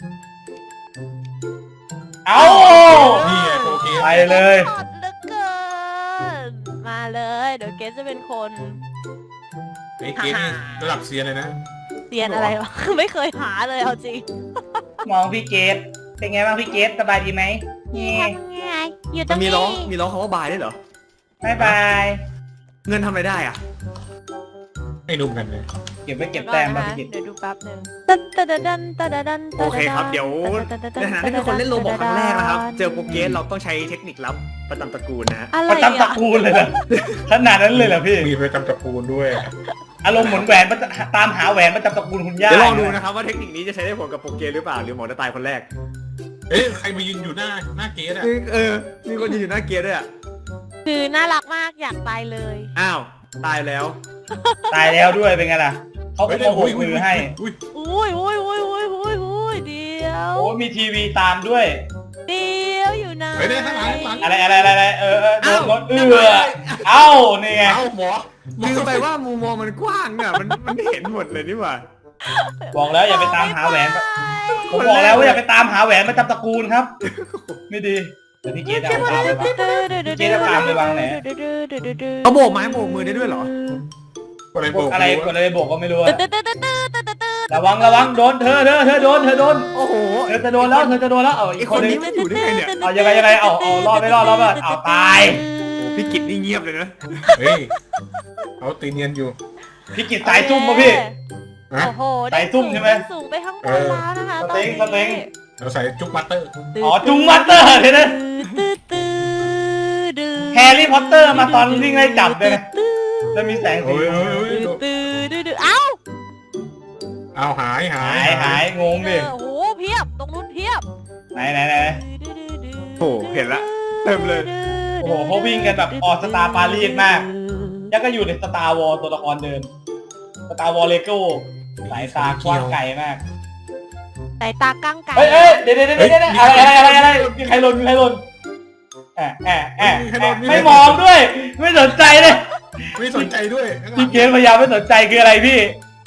[SPEAKER 2] เอา
[SPEAKER 4] นี่ไงโปรเกส
[SPEAKER 2] ไปเลย
[SPEAKER 3] อ่อนเหลือเกินมาเลยเดี๋ยวเกสจะเป็นคน
[SPEAKER 4] ไอ้เกสนี่ระดับเซียนเลยนะ
[SPEAKER 3] เรียนอะไรวะ ไม่เคยหาเลยเอาจริง
[SPEAKER 2] มองพี่เกตเป็นไงบ้างพี่เกตสบายดีไหม
[SPEAKER 3] นี่
[SPEAKER 2] นี่
[SPEAKER 3] ทำไงอยู่ตร
[SPEAKER 5] มัน
[SPEAKER 3] ง
[SPEAKER 5] มี
[SPEAKER 3] นี้
[SPEAKER 5] ร้องมีร้องคำว่าบายด้วยเหรอ
[SPEAKER 2] บายบาย
[SPEAKER 5] เงินทำอะไรได้อ่ะ
[SPEAKER 4] ไม่นุ่มกันเลย
[SPEAKER 2] เก็บไว้เก็บแต้ม
[SPEAKER 3] ก่
[SPEAKER 2] บ้า
[SPEAKER 3] อง น
[SPEAKER 2] พี่
[SPEAKER 3] นะ
[SPEAKER 2] เกต
[SPEAKER 3] เดี๋ยวดูแป๊บหนึงตัดตัดดันตัดดัน
[SPEAKER 5] โอเคครับเดี๋ยวในฐานะที่เป็นคนเล่นโรบอกครั้งแรกนะครับ เจอโปรเกสเราต้องใช้เทคนิคลับประจำตระกูลนะฮะ
[SPEAKER 3] อะไร
[SPEAKER 2] ประจำตระ
[SPEAKER 3] อ่ะ
[SPEAKER 2] กูลเลยเหรอขนาดนั้นเลยเหรอพี่
[SPEAKER 4] มีประจำตระกูลด้วย
[SPEAKER 2] อารมณ์เหมือนแหวนประจำตามหาแหวนประจำตระกูลคุณย่า
[SPEAKER 5] เดี๋ยวลองดูนะครับว่าเทคนิคนี้จะใช้ได้ผลกับโปรเกสหรือเปล่าหรือหมอจะตายคนแรก
[SPEAKER 4] เอ๊ะใครมายืนอยู่หน้าหน้าเกสอ่ะ
[SPEAKER 5] เออ มีคนยืนอยู่หน้าเกสด้วยอ่ะ
[SPEAKER 3] คือน่ารักมากอยากตายเลย
[SPEAKER 5] อ้าว ตายแล้ว
[SPEAKER 2] ตายแล้วด้วยเป็นไงล่ะเขาก็
[SPEAKER 4] เฮ้ย
[SPEAKER 2] ต้องโบกมือให้
[SPEAKER 4] อุ้ย
[SPEAKER 3] อุ้ยอุ้ยอุ้ยอุ้ยอุ้ยอุ้ยเดียว
[SPEAKER 2] โอ้มีทีวีตามด้วย
[SPEAKER 3] เดียวอยู่ไหน
[SPEAKER 4] เฮ้ยเนี่ยข้างหลังข้างหลัง
[SPEAKER 2] อะไรอะไรอะไรอะไรเออเออโดน
[SPEAKER 5] เอ้าร
[SPEAKER 2] ถเอือเอ้านี่ไง
[SPEAKER 4] เอ้าหมอ
[SPEAKER 5] ลืมไปว่ามุมมองมันกว้างอ่ะ มันมันเห็นหมดเลยนี่หว่า
[SPEAKER 2] บอกแล้วอย่าไปตามหาแหวนผมบอกแล้วว่าอย่าไปตามหาแหวนประจำตระกูลครับ ไม่ดีเดี๋ยวพี่เกดเอาตามไปวาง เจ๊จะตามไปวางไหน
[SPEAKER 5] เขาโบกไม้โบกมือได้ด้วยเหรอ
[SPEAKER 4] อะไร
[SPEAKER 2] ก
[SPEAKER 4] โบ
[SPEAKER 2] ด
[SPEAKER 4] ก
[SPEAKER 2] อะไรกดอะไรบอกก็ไม่รู้อะ
[SPEAKER 3] ตึ๊ดตึ๊ดตึ๊ดตึ๊ดตึ๊ดตึ๊ดตึ๊ด
[SPEAKER 2] ระวังระวังโดนเธอเธอเธอโดนเธอโดน
[SPEAKER 5] โอ้โห
[SPEAKER 2] เธอจะโดนแล้วเธอจะโดนแล้วเอาอี
[SPEAKER 5] ไอ้
[SPEAKER 2] ก
[SPEAKER 5] ค
[SPEAKER 2] คน นนึ
[SPEAKER 5] นี้
[SPEAKER 2] ง
[SPEAKER 5] มันอยู่ได้ไงเนี่ย
[SPEAKER 2] เอายังไงยังไงเอาเอารอดไม่รอดรอดไม่รอดเอาตาย
[SPEAKER 5] พี่กิตนี่เงียบเลยนะ
[SPEAKER 4] เฮ้ยเขาตีเนียนอยู่
[SPEAKER 2] พี่กิจสายซุ่มป่ะพี่
[SPEAKER 4] ฮะ
[SPEAKER 3] โอ้โห
[SPEAKER 2] ใส่ซุ่มใช่ไหม
[SPEAKER 3] สูงไปข้างบนแล้วนะคะ
[SPEAKER 2] สเต็งสเต็ง
[SPEAKER 4] เราใส่จุ๊กบัตเตอร์
[SPEAKER 2] อ๋อจุงมัตเตอร์เลยนะ
[SPEAKER 3] ตึ๊ดตึ๊ดตึ๊ด
[SPEAKER 2] แฮร์รี่พอตเตอร์มาตอนวิ่งไล่จับเลยนะแล้วมีแสงสี
[SPEAKER 4] โอ้ยโอ้ยโอ้ย
[SPEAKER 3] ตึ๊ดตึ๊ดตึ๊ดตึ๊ดเอ้า
[SPEAKER 4] เอาหายหา
[SPEAKER 2] หาย ยหายงงดิ
[SPEAKER 3] เออโอ้โหเพียบตรงนู้นเพียบ
[SPEAKER 2] ไหนไหนไหน
[SPEAKER 5] โอ้โหเห็นละเต็มเลย
[SPEAKER 2] โอ้โหเขาวิ่งกันแบบออสตาปารีสมากยังก็อยู่ในสตาร์วอลตัวละครเดิมสตาร์วอลเลโก้สายตากว้างไกลมาก
[SPEAKER 3] สายตากั้งไก่
[SPEAKER 2] เฮ้ยเอ้ยเดี๋ยวเดี๋ยวเดี๋ยวเดี๋ยวอะไรอะไรอะไรอะไรมีใครหล่นมีใครหล่นแอะแอะแอะแอะไม่มองด้วย ไม่สนใจเลย
[SPEAKER 4] ไม่สนใจด้วย
[SPEAKER 2] พี่เกมพยายามไม่สนใจคืออะไรพี่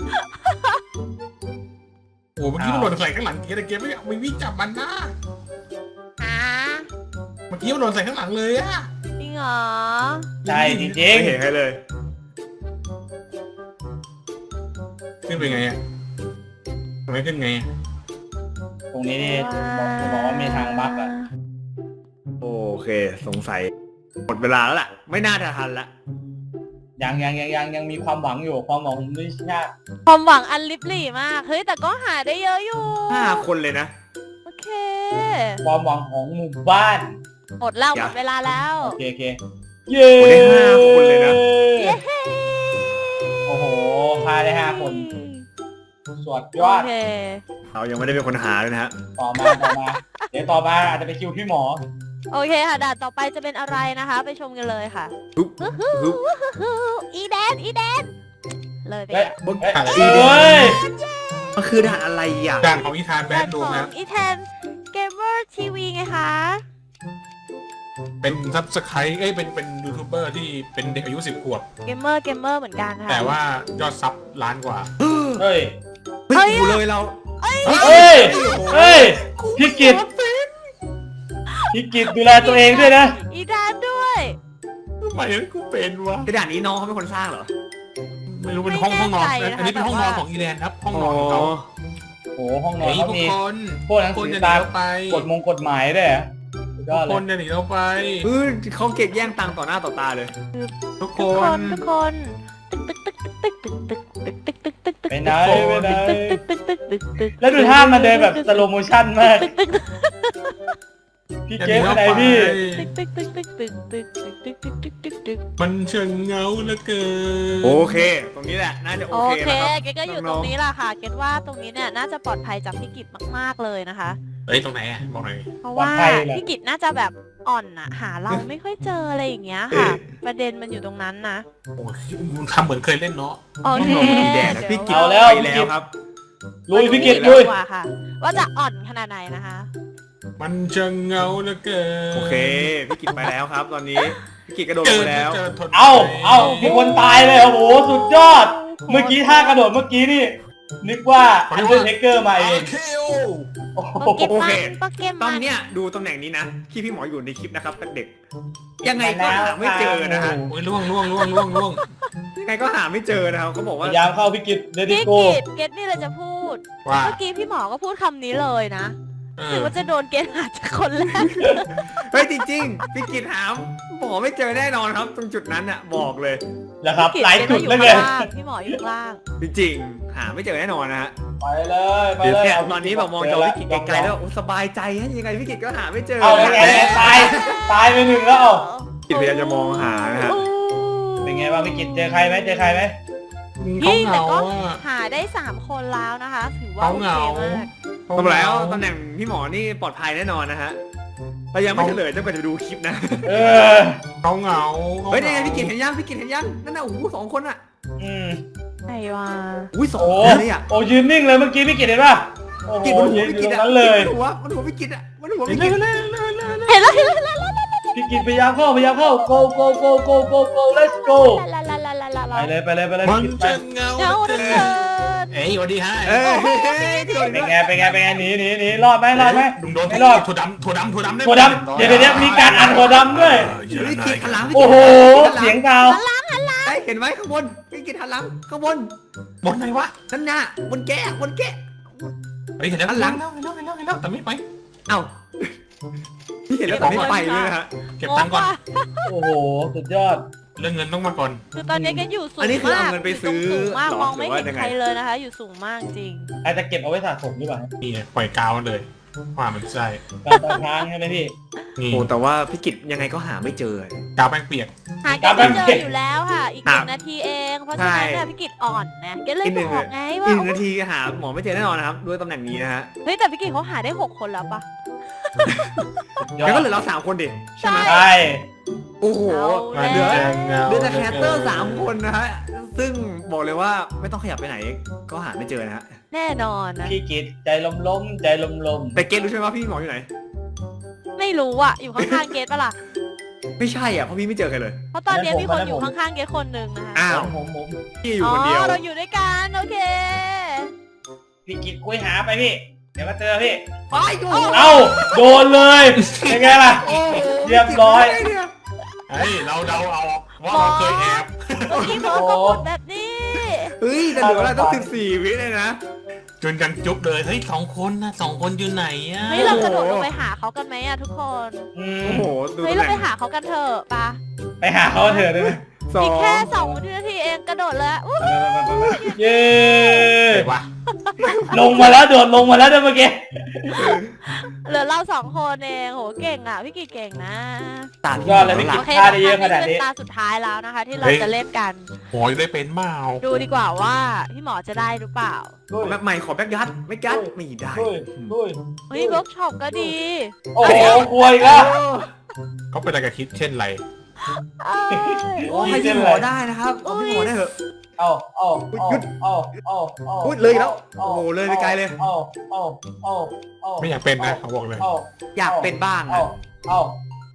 [SPEAKER 4] โอ้เมื่อกี้มันหล่นใส่ข้างหลังเกสแต่เกสไม่ไม่วิ่งจับมันนะ
[SPEAKER 3] หา
[SPEAKER 4] เมื่อกี้มันหล่นใส่ข้างหลังเลยอะ
[SPEAKER 3] จริงเหรอ
[SPEAKER 2] ใช่จริง
[SPEAKER 5] ไม่เห็นใครเลย
[SPEAKER 4] ขึ้นไปไงอะทำไมขึ้นไงอะ
[SPEAKER 2] ๆตรงนี้นี่จะบอกว่ามีทางบั๊กอะ
[SPEAKER 5] โอเค สงสัย หมดเวลาแล้วล่ะ ไม่น่าจะทันละ
[SPEAKER 2] ยังยังยังยังยังมีความหวังอยู่ความหวังผมไม่ยาก
[SPEAKER 3] ความหวังอันลิบหลี่มาก เฮ้ยแต่ก็หาได้เยอะอยู่
[SPEAKER 5] ห้าคนเลยนะ
[SPEAKER 3] โอเค
[SPEAKER 2] ความหวังของหมู่บ้าน
[SPEAKER 3] หมดแล้ว
[SPEAKER 5] อ
[SPEAKER 3] ห
[SPEAKER 5] ย่า
[SPEAKER 3] มดเวลาแล้ว
[SPEAKER 2] โอเคโอเคเย้
[SPEAKER 5] โอ้ได้ห้าคนเลยนะ
[SPEAKER 2] โอ้โหพาได้ห้าคนสวดย
[SPEAKER 3] โอ
[SPEAKER 2] อด
[SPEAKER 3] เค
[SPEAKER 5] เรายังไม่ได้เป็นคนหาเลยนะฮะ
[SPEAKER 2] ต่อมาต่อมา เดี๋ยวต่อมาอาจจะไปคิวพี่หมอ
[SPEAKER 3] โอเคค่ะด่านต่อไปจะเป็นอะไรนะคะ ไปชมกันเลยค่ะ
[SPEAKER 5] ฮึบฮึบ
[SPEAKER 3] อีแดนอีแดนเลยไป
[SPEAKER 2] เฮ้ย
[SPEAKER 4] บน
[SPEAKER 2] เฮ้ย
[SPEAKER 4] ถ่าย
[SPEAKER 2] เฮ้ย
[SPEAKER 5] มันคือด่านอะไรอ่ะ
[SPEAKER 4] ด่านของอีธานแบ
[SPEAKER 3] ด่าน
[SPEAKER 4] นดู
[SPEAKER 3] ของ
[SPEAKER 4] นะ
[SPEAKER 3] อีแทนเกมเมอร์ทีวีไงคะ
[SPEAKER 4] เป็นซับสไครต์เอ้ยเป็นเป็นยูทูบเบอร์ที่เป็นเด็กอายุสิบขวบ
[SPEAKER 3] เกมเมอร์เกมเมอร์เหมือนกันค่ะ
[SPEAKER 4] แต่ว่ายอดซับล้านกว่า
[SPEAKER 2] เฮ้ย
[SPEAKER 5] เฮ้ยกูเลยเรา
[SPEAKER 2] เฮ้ยเฮ้ยพี่กิตพี่กิตดูแลตัวเองด้วยนะ
[SPEAKER 3] อีดานด้วย
[SPEAKER 4] ทำไมกูเป็นวะ
[SPEAKER 5] กระดาษนี้น้องเขาเป็นคนสร้างเหรอ
[SPEAKER 4] ไม่รู้เป็นห้องห้องนอนอันนี้เป็นห้องนอนของอีแลนครับห้องนอนของเขา
[SPEAKER 2] โอ้โหห้องนอน
[SPEAKER 4] เฮ้ย
[SPEAKER 2] เขา
[SPEAKER 4] ทุก
[SPEAKER 2] มี
[SPEAKER 4] คน
[SPEAKER 2] พวกหนัง
[SPEAKER 4] คน
[SPEAKER 2] สือ
[SPEAKER 4] จะหนี
[SPEAKER 2] ตาม
[SPEAKER 4] เราไป
[SPEAKER 2] กฎมงกฎหมายด้วยเหรอสุดย
[SPEAKER 4] ทุ
[SPEAKER 2] อก ดเล
[SPEAKER 4] คน
[SPEAKER 2] ย
[SPEAKER 4] จะหนีเราไป
[SPEAKER 5] เออเขาเก็บแย่งตังค์ต่อหน้าต่อตาเลย
[SPEAKER 4] ทุกค
[SPEAKER 3] ทุกคน
[SPEAKER 4] น
[SPEAKER 3] ทุกคนตึกตึกตึกตึกตึกตึกตึกตึกตึกตึกตึก
[SPEAKER 2] ไปไหนไปไหน
[SPEAKER 3] ตึกตึกตึกตึกตึกตึก
[SPEAKER 2] แล้วดูท่ามันเดินแบบสโลโมชั่นมาก
[SPEAKER 3] ตึกตึกตึก
[SPEAKER 2] พี่เกฟไปไหนพี่
[SPEAKER 3] ตึกตึกตึกตึกตึกตึกตึกตึกตึกตึกตึกตึก
[SPEAKER 4] มันเชิงเงาเหลือเกิน
[SPEAKER 5] โอเค ตรงนี้แหละน่าจะโอ
[SPEAKER 3] โอ
[SPEAKER 5] เค
[SPEAKER 3] เค
[SPEAKER 5] นะครับ
[SPEAKER 3] เกดก็อยู่ตรงนี้แหละค่ะ เกดว่าตรงนี้เนี่ยน่าจะปลอดภัยจากพี่กิจมากๆเลยนะคะ
[SPEAKER 4] เฮ้ยตรงไหนอะบอกหน่อย
[SPEAKER 3] เพราะว่า
[SPEAKER 2] ปลอดภัยเหรอ
[SPEAKER 3] พี่กิจน่าจะแบบอ่อนอะหาเราไม่ค่อยเจออะไรอย่างเงี้ยค่ะ ประเด็นมันอยู่ตรงนั้นนะ
[SPEAKER 4] โอ้ยทำเหมือนเคยเล่นเนาะ
[SPEAKER 3] โอเค
[SPEAKER 5] น้องมีแดดนะพี่กิจ
[SPEAKER 2] เอาแล้ว
[SPEAKER 5] ไปแล้วครับ
[SPEAKER 2] ลุยพี่กิต
[SPEAKER 3] มา
[SPEAKER 2] ลุ
[SPEAKER 3] ดู
[SPEAKER 2] ย
[SPEAKER 3] ดีกว่าค่ะ ว่าจะอ่อนขนาดไหนนะคะ
[SPEAKER 4] มันเชิงเงาเหลือเกิน
[SPEAKER 5] โอเคพี่กิจไปแล้วครับ ตอนนี้พี่กิจกระโดด
[SPEAKER 4] เจ
[SPEAKER 5] ลง
[SPEAKER 4] อ
[SPEAKER 5] ไปแล้ว
[SPEAKER 4] เจอทน
[SPEAKER 2] เอาเอามีคนตายเลยโอ้โหสุดยอด เมื่อกี้ท่ากระโดดเมื่อกี้นี่ นึกว่าอันเดอร์เทเกอร์มาเอง
[SPEAKER 4] คิว
[SPEAKER 2] โอ้โห
[SPEAKER 3] โปเกม
[SPEAKER 5] โอ
[SPEAKER 3] อ
[SPEAKER 5] เค
[SPEAKER 3] นโปเกม
[SPEAKER 5] ต
[SPEAKER 3] อ
[SPEAKER 5] อน
[SPEAKER 3] น
[SPEAKER 5] เนี้ยดูตำแหน่งนี้นะที่พี่หมออยู่ในคลิปนะครับเด็กๆยังไงก็หาไม่เจอนะฮะ
[SPEAKER 4] โอ้ยล่วงล่วงล่วงล่วงล่วง
[SPEAKER 5] ยังไงก็หาไม่เจอนะครับเขาบอก
[SPEAKER 2] พ
[SPEAKER 5] ว่า
[SPEAKER 2] ยายามเข้าพี่กิตเดดิ
[SPEAKER 3] พี่
[SPEAKER 2] โก
[SPEAKER 3] กิจเกดนี่เลยจะพูด
[SPEAKER 4] ว่า
[SPEAKER 3] เมื่อกี้พี่หมอก็พูดคำนี้เลยนะ
[SPEAKER 4] เอ
[SPEAKER 3] ถื
[SPEAKER 4] อ
[SPEAKER 3] อว่าจะโดนเกณฑ์หาจากคนแรก
[SPEAKER 5] เฮ้ยจริงๆพี่กิตหามหมอไม่เจอแน่นอนครับ ตรงจุดนั้นอ่ะบอกเลย
[SPEAKER 2] นะครับ
[SPEAKER 3] พี่
[SPEAKER 2] หลาย
[SPEAKER 3] เก
[SPEAKER 2] จุด
[SPEAKER 3] ณฑ์
[SPEAKER 2] แล้ว
[SPEAKER 3] อ
[SPEAKER 2] ไง
[SPEAKER 3] ยู่ข้างล่างพี่หมออยู่ข้างล่าง
[SPEAKER 5] จริงๆหาไม่เจอแน่นอนนะฮะ
[SPEAKER 2] ไปเลยไปเลย
[SPEAKER 5] เนี่ย
[SPEAKER 2] เา
[SPEAKER 5] ตอนนี้แบบมองจอพี่กิตไกลๆแล้วโอ้สบายใจฮะยังไงพี่กิตก็หาไม่เจอ
[SPEAKER 2] เอาแล้วไงตายตายไปหนึ่งแล้วเอา
[SPEAKER 5] กิตพยายามจะมองหานะฮะ
[SPEAKER 2] เป็นไงบ้างพี่กิตเจอใครไหมเจอใครไหม
[SPEAKER 4] เขา
[SPEAKER 3] นี่
[SPEAKER 4] เห
[SPEAKER 3] แต่
[SPEAKER 4] งา
[SPEAKER 3] ก็
[SPEAKER 4] อ่ะ
[SPEAKER 3] หาได้สามคนแล้วนะคะ ถือว่า
[SPEAKER 4] เขา
[SPEAKER 3] โอ
[SPEAKER 4] เห
[SPEAKER 3] เค
[SPEAKER 4] งา
[SPEAKER 3] มาก
[SPEAKER 5] ตำแล้วตำแหน่งพี่หมอนี่ปลอดภัยแน่นอนนะฮะเรายังไม่เฉลยจนกว่าจะดูคลิปนะ
[SPEAKER 2] เออ
[SPEAKER 4] เขาเหงา
[SPEAKER 5] เฮ้ยนี่ไงพี่กิตเห็นยังพี่กิตเห็นยังนั่นน่ะโอ้โหสองคนอ่ะ
[SPEAKER 2] อืม
[SPEAKER 3] ไหนวะ
[SPEAKER 5] อุ้ยสอง
[SPEAKER 2] โอ้
[SPEAKER 5] คนเลยอ่ะ
[SPEAKER 2] โอ้ยืนนิ่งเลยเมื่อกี้พี่กิตเห็นป่ะโอ้โห
[SPEAKER 5] กิตบนหั
[SPEAKER 2] ยื
[SPEAKER 5] วน
[SPEAKER 2] อ
[SPEAKER 5] พี่
[SPEAKER 2] ยู่
[SPEAKER 5] กิต
[SPEAKER 2] ตรง
[SPEAKER 5] อ่ะ
[SPEAKER 2] นั้นเลย
[SPEAKER 5] บนหัวบนหัวพี่กิตอ่ะบนหัวพี่
[SPEAKER 4] เล่
[SPEAKER 5] กิต
[SPEAKER 4] นเล่นเล่นเล่น
[SPEAKER 3] เห็นแล้วเห็นแล้วเห็นแล้ว
[SPEAKER 2] พี่กิตพยายามเข้าพยายามเข้า go go go go go go let's go
[SPEAKER 3] ลาลาลาลาลา
[SPEAKER 2] ไปเลยไปเลยไปเลย
[SPEAKER 4] มัน
[SPEAKER 2] พี่กิตไป
[SPEAKER 4] เชิงเงา
[SPEAKER 3] เงาเหลือเกิน
[SPEAKER 4] เอ้ยสวัสดีฮะ
[SPEAKER 5] เอ้ยกระโดด
[SPEAKER 2] เป็น
[SPEAKER 5] อีก
[SPEAKER 2] ไงเป็นไงเป็นไงหนีหนีหนีรอดไหมรอดไหม
[SPEAKER 4] ลุงโดน
[SPEAKER 2] ไม่รอด
[SPEAKER 4] ถั่วดำถั่วดำถั่วดำได้
[SPEAKER 2] ถั่วดำเดี๋ยวเดี๋ยวเดี๋ยวมีการอัดถั่วดำด้วย
[SPEAKER 5] แล้วพี่กิตหันหลังพี่
[SPEAKER 2] โอ้
[SPEAKER 5] กิต
[SPEAKER 2] โห
[SPEAKER 5] หันหลัง
[SPEAKER 2] เสียงดาว
[SPEAKER 5] เอ้ยเห็นไหมข้างบนพี่กิตหันหลังข้างบน
[SPEAKER 4] บนไหนวะ
[SPEAKER 5] นั่นน่ะบนแก้บนแก้
[SPEAKER 4] เฮ้ยเห็นแล้ว
[SPEAKER 5] หันหลัง
[SPEAKER 4] เห็นแล้วเห็นแล้วเห็นแล้วเห็นแล้วแต่ไม่ไป
[SPEAKER 5] เอ้าพี่เห็นแล้วแต่ไม่ไปเลยนะฮะ
[SPEAKER 4] เก็บตังค์ก่อน
[SPEAKER 2] โอ้โหสุดยอด
[SPEAKER 4] เรื่องเงินต้องมาก่อน
[SPEAKER 3] คือตอนนี้ก็อยู่สูง
[SPEAKER 5] อันนี้คือเอา
[SPEAKER 3] มาก
[SPEAKER 5] เงินไปซื้อ
[SPEAKER 3] สูงมาก
[SPEAKER 5] หรอ
[SPEAKER 3] มองไม่
[SPEAKER 5] หรือว่า
[SPEAKER 3] เห็น
[SPEAKER 5] ยังไง
[SPEAKER 3] ใครเลยนะคะ อยู่สูงมากจริง
[SPEAKER 2] อาจจะเก็บเอาไว้สะสมหรือเปล่า
[SPEAKER 4] นี่ปล่อยกาวมันเลยว่ามันใช่
[SPEAKER 2] การตาค้างใช่ไหมพี่
[SPEAKER 4] นี่
[SPEAKER 5] โอ้แต่ว่าพี่กิตยังไงก็หาไม่เจอ
[SPEAKER 4] กาวแป้งเปียก
[SPEAKER 3] หาเกณฑ์ไม่เจออยู่แล้วค่ะ อีกหนึ่งนาทีเอง เพราะฉะนั้น
[SPEAKER 5] ใช่
[SPEAKER 3] เนี่ยพี่กิจอ่อนนะเกณฑ์เลย
[SPEAKER 5] อีกหนึ่ง
[SPEAKER 3] บอกไงว่า
[SPEAKER 5] อีกหนึ่งนาทีหาหมอไม่เจอแน่นอนนะครับด้วยตำแหน่งนี้นะฮะ
[SPEAKER 3] เฮ้ยแต่พี่กิจเขาหาได้หกคนแล้วปะ
[SPEAKER 2] ยอ
[SPEAKER 5] แล้วก็
[SPEAKER 2] ด
[SPEAKER 5] เหลือเราสามคนดิใช่ไหม
[SPEAKER 2] ใช่
[SPEAKER 5] โอ้โห
[SPEAKER 3] เอา
[SPEAKER 5] เหลือ
[SPEAKER 3] แล้ว
[SPEAKER 5] เหลือแต่แคสเตอร์สามคนนะฮะซึ่งบอกเลยว่าไม่ต้องขยับไปไหนก็หาไม่เจอนะฮะ
[SPEAKER 3] แน่นอนนะ
[SPEAKER 2] พี่กิตใจลมลมๆใจลมลม
[SPEAKER 5] แต่เกตรู้ใช่ไหมว่าพี่หมออยู่ไหน
[SPEAKER 3] ไม่รู้อ่ะ อยู่ข้างๆเกตปะล่ะ
[SPEAKER 5] ไม่ใช่อ่ะเพราะพี่ไม่เจอใครเลย
[SPEAKER 3] เพราะตอนนี้มีคนอยู่ข้างๆเกตคนหนึ่งนะคะ
[SPEAKER 5] อ้าว
[SPEAKER 2] ผมผม
[SPEAKER 5] พี่อยู่คนเดียว
[SPEAKER 3] อ๋อเราอยู่ด้วยกันโอเค
[SPEAKER 2] พี่กิตคุยหาไปพี่ เดี๋ยวมาเจอพี่
[SPEAKER 5] ไปดู
[SPEAKER 2] เอ้าโดนเลยเป็นไงล่ะ
[SPEAKER 5] โอ้โห
[SPEAKER 2] เรียบร้อย
[SPEAKER 4] เฮ้ยเราเดาเอาว่าเราเคยแอบ
[SPEAKER 3] เมื่อกี้เขาก็พูดแบบนี้
[SPEAKER 5] เฮ้ยแต่เหลืออะไรต้องสิบสี่วิเลยนะ
[SPEAKER 4] จนกันจุ๊บเลยเฮ้ยสองคนนะสองคนอยู่ไหนอ่ะ
[SPEAKER 3] เฮ้ยเรากระโดดลงไปหาเขากันไหมอะทุกคน
[SPEAKER 2] อืม
[SPEAKER 5] โอ้โหดู
[SPEAKER 3] เฮ้ย
[SPEAKER 5] ตำ
[SPEAKER 3] เรา
[SPEAKER 5] แห
[SPEAKER 3] ไป
[SPEAKER 5] น่ง
[SPEAKER 3] หาเขากันเถอะปะ
[SPEAKER 2] ไปหาเขาเถอะได้ไหม
[SPEAKER 5] สอ
[SPEAKER 3] อีก
[SPEAKER 5] ง
[SPEAKER 3] แค่สองนาทีเองกระโดดเลยอะอู้
[SPEAKER 2] เย้
[SPEAKER 4] เฮ้ยวะ
[SPEAKER 2] ลงมาแล้วโดดลงมาแล้วด้วยเมื่อกี้
[SPEAKER 3] เหลือเราสองคนเองโหเก่งอ่ะพี่กีเก่งนะ
[SPEAKER 5] ตัด
[SPEAKER 2] ยอดเลยพี่กิต
[SPEAKER 3] โอเค
[SPEAKER 2] ฆ่า
[SPEAKER 3] นะ
[SPEAKER 2] ได้เยอะข
[SPEAKER 3] คะ
[SPEAKER 2] นาด
[SPEAKER 3] นี่
[SPEAKER 2] นี้
[SPEAKER 3] เป็นตาสุดท้ายแล้วนะคะ ที่เราจะเล่นกัน
[SPEAKER 4] หมอจะได้เป็นเมา
[SPEAKER 3] ดูดีกว่าว่าพี่หมอจะได้หรือเปล่า
[SPEAKER 5] แบ็คใหม่ขอแบ็คยัดไม่ยัดไม่ได้
[SPEAKER 2] ด้วยด้วย
[SPEAKER 3] เฮ้ยเวิร์กช็อปก็ดี
[SPEAKER 2] โอ้โหกลัวอีกแล้ว
[SPEAKER 4] เขาเป็นอะไรกับคิดเช่นไร
[SPEAKER 3] เอ้ย
[SPEAKER 5] โอ้ให้พี่หมอได้นะครับเอาพี่หมอได้เถอะ
[SPEAKER 2] เอาเอา
[SPEAKER 5] หยุด
[SPEAKER 2] เอาเอาเอา
[SPEAKER 5] อุ๊ยเลยอีกแล้วโอ้โหเลยไปไกลเลย
[SPEAKER 2] เอาเอาเอาเอา
[SPEAKER 4] ไม่อยากเป็นนะเขาบอกเลย
[SPEAKER 2] เอา
[SPEAKER 5] อยากเป็นบ้าง
[SPEAKER 2] เอา
[SPEAKER 5] อะ
[SPEAKER 2] เอา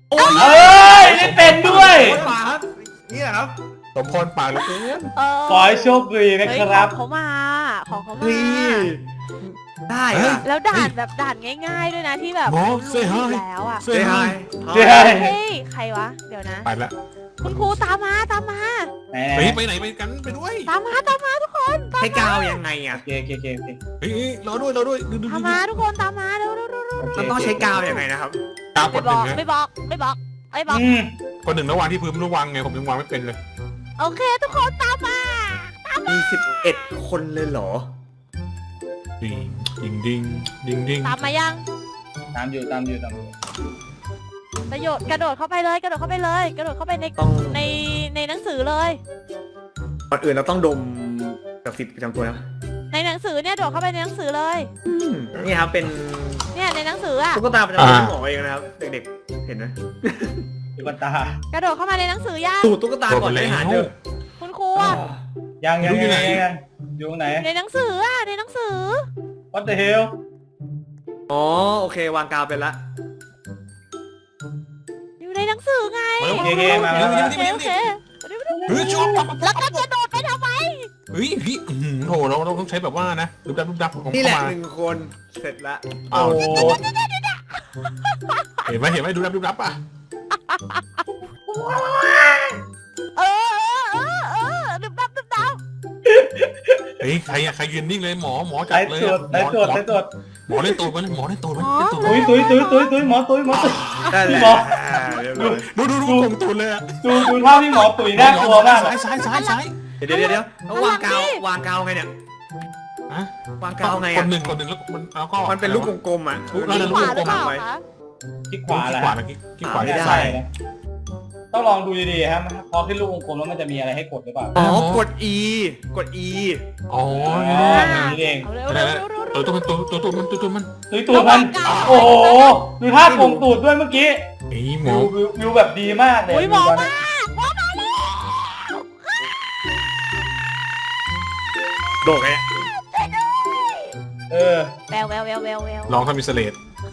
[SPEAKER 5] โอ้ย
[SPEAKER 2] เอ้ยได้เป็นด้วย
[SPEAKER 5] โอ้ป่าครับนี่แหละครับ
[SPEAKER 4] สมพรปากเหลือเกิน
[SPEAKER 3] เออ
[SPEAKER 2] ขอให้โชคดีนะ
[SPEAKER 3] เฮ้ย
[SPEAKER 2] ครับ
[SPEAKER 3] ของเขามาของเขา
[SPEAKER 5] เฮ้
[SPEAKER 3] มาย
[SPEAKER 5] ได้อะ
[SPEAKER 3] แล้วด่านแบบด่านง่าย ๆด้วยนะที่แบบ
[SPEAKER 4] หมอ
[SPEAKER 3] รู้
[SPEAKER 4] เซ่ฮา
[SPEAKER 3] อยู่
[SPEAKER 4] ย
[SPEAKER 3] แล้วอ่ะ
[SPEAKER 4] เซ่
[SPEAKER 5] เฮ้ย
[SPEAKER 4] ฮาย
[SPEAKER 2] เฮ้ย
[SPEAKER 3] เฮ้ยใครวะเดี๋ยวนะ
[SPEAKER 4] ไปละ
[SPEAKER 3] คุณครูตามมาตามมา
[SPEAKER 2] ไหน
[SPEAKER 4] เฮ้ยไปไหนไปกันไปด้วย
[SPEAKER 3] ตามมาตามมาทุกคนตาม
[SPEAKER 5] ให้กาวยังไงอ่ะ
[SPEAKER 2] โอเคโอเคโอเคโอเค
[SPEAKER 4] เฮ้ยรอด้วยรอด้วยดูดู
[SPEAKER 3] ตามมาทุกคนตามมาเร็วเร็วเร็วเร็ว
[SPEAKER 5] มันต้องใช้กาวยังไงนะครับ
[SPEAKER 4] ตามก
[SPEAKER 3] ไม่
[SPEAKER 4] ด
[SPEAKER 3] บ
[SPEAKER 4] หนึ่
[SPEAKER 3] อง ก
[SPEAKER 4] นะ
[SPEAKER 3] ไม่บอกไม่บอกไม่บอก
[SPEAKER 2] อืม
[SPEAKER 4] กดหนึ่งแล้ววางที่พื้นระวังไงผมยังวางไม่เป็นเลย
[SPEAKER 3] โอเคทุกคนตามมา
[SPEAKER 5] มีสิบเอ็ดคนเลยเหรอ
[SPEAKER 4] ดิงดิงดิงดิงดิง
[SPEAKER 3] ตามมายัง
[SPEAKER 2] ตามอยู่ตามอยู่ตามอยู่
[SPEAKER 3] ประโยชน์กระโดดเข้าไปเลยกระโดดเข้าไปเลย กระโดดเข้าไปใน
[SPEAKER 5] ต้อง
[SPEAKER 3] ในในหนังสือเลย
[SPEAKER 5] ก่อนอื่นเราต้องดมกับสิทธิ์ประจำตัวนะ
[SPEAKER 3] ในหนังสือเนี่ยโดดเข้าไปในหนังสือเลย
[SPEAKER 5] อืมนี่ครับเป็น
[SPEAKER 3] เนี่ยในหนังสืออ่ะ
[SPEAKER 5] ตุ๊กตาประจำตัวที่หมอเองนะครับ เด็กๆ เห็นไหม
[SPEAKER 2] ตุ๊กตาก
[SPEAKER 3] ระโดดเข้ามาในหนังสือย่า
[SPEAKER 5] สูตรตุ๊กตาก่อนไปหาเจอ
[SPEAKER 3] คุณครูอะ
[SPEAKER 2] ยังยังยังยังยังอยู่ตรงไหน
[SPEAKER 3] ในหนังสืออ่ะในหนังสือ
[SPEAKER 2] What the hell
[SPEAKER 5] อ๋อโอเควางกาวเป็นละ
[SPEAKER 3] อยู่ในหนังสือไง
[SPEAKER 2] โอเคโอเคมามามา
[SPEAKER 3] โอเคโอเค
[SPEAKER 4] เฮ้ยชอบปั๊บ
[SPEAKER 3] แล้วก็กระโดดไปทำไม
[SPEAKER 4] เฮ้ยพี่อื้อหือโถเราเราต้องใช้แบบว่านะรูปดับรูปดับของ
[SPEAKER 5] นี่แหละ
[SPEAKER 4] เข้ามา
[SPEAKER 5] หนึ่งคนเสร็จละ
[SPEAKER 4] อ้าว
[SPEAKER 2] โอ้
[SPEAKER 4] เห็นไหมเห็นไหมดูดับดูดับอ่ะ
[SPEAKER 3] เออเออเออดึบดับดึบดับ
[SPEAKER 4] เฮ้ยใครอะใครยืนนิ่งเลยหมอหมอจั
[SPEAKER 2] สา
[SPEAKER 4] บ
[SPEAKER 2] ย
[SPEAKER 4] เลย
[SPEAKER 2] ตรวจ
[SPEAKER 4] หม
[SPEAKER 2] สาย
[SPEAKER 4] อ
[SPEAKER 2] ตรวจ
[SPEAKER 4] หมอ
[SPEAKER 2] สายตรวจ
[SPEAKER 4] หมอเล่นตูดมันหมอเล่นตูดมันเล่นตูดมัน
[SPEAKER 2] ตุ้ยตุ้ยตุ้ยตุ้ยตุ้ยหมอตุ้ยหมอตุ้ย
[SPEAKER 5] ได้แหละ
[SPEAKER 2] หมอ
[SPEAKER 5] เรียบร้อย
[SPEAKER 4] ดูดูดูกลมตูดเลยอะ
[SPEAKER 2] ดูดูภาพที่หมอตุ๋ยน่ากลัวมาก
[SPEAKER 4] ซ้ายซ้ายซ้ายซ้าย
[SPEAKER 5] เดี๋ยวเดี๋ยวเดี๋ยวแล้ววางกาววางกาวไงเนี่ย
[SPEAKER 4] ฮะ
[SPEAKER 5] วางกาวไง
[SPEAKER 4] ก
[SPEAKER 5] อ่ะ
[SPEAKER 4] ดหนึ่งกดหนึ่งแล้วมันแล้วก็
[SPEAKER 5] มันเป็นลูกกลมๆอ่ะ
[SPEAKER 4] ลูก
[SPEAKER 5] เออ
[SPEAKER 4] นั่น
[SPEAKER 3] ข
[SPEAKER 4] น่ะ
[SPEAKER 3] วาหรือเปล่า
[SPEAKER 5] ไว้
[SPEAKER 3] คะ
[SPEAKER 2] ที่ข
[SPEAKER 4] ขวาว
[SPEAKER 2] าแหละ
[SPEAKER 4] ขวาเมื่อกี้ที่ขวา
[SPEAKER 5] ไม่
[SPEAKER 4] ที่
[SPEAKER 5] ได้
[SPEAKER 4] ซ้าย
[SPEAKER 2] นะต้องลองดูดีๆครับพอขึ้นลูกวงกลมแล้วมันจะมีอะไรให้กดหรือเปล่า
[SPEAKER 5] อ๋อกด E กด E
[SPEAKER 4] อ๋อ
[SPEAKER 2] อ๋ออย่างนี้เอง
[SPEAKER 3] เอาเร็วเร็วเร็วเร็ว
[SPEAKER 4] ตัวตัวมันตัวตัวตัวมันตัวตัวมัน
[SPEAKER 2] ตุ้ยตูดมันโอ้โหดูท่าโกงตูดด้วยเมื่อกี้
[SPEAKER 4] ไอ้หม
[SPEAKER 2] วิ
[SPEAKER 4] อ
[SPEAKER 2] ววิววิวแบบดีมากเลย
[SPEAKER 3] อุ้ยหมอ
[SPEAKER 2] วิว
[SPEAKER 3] มาหมอมาแล้ว
[SPEAKER 5] โดดไงเนี่ย
[SPEAKER 2] เออ
[SPEAKER 3] แววแววแววแววแวว
[SPEAKER 4] ลองทำมิสเลต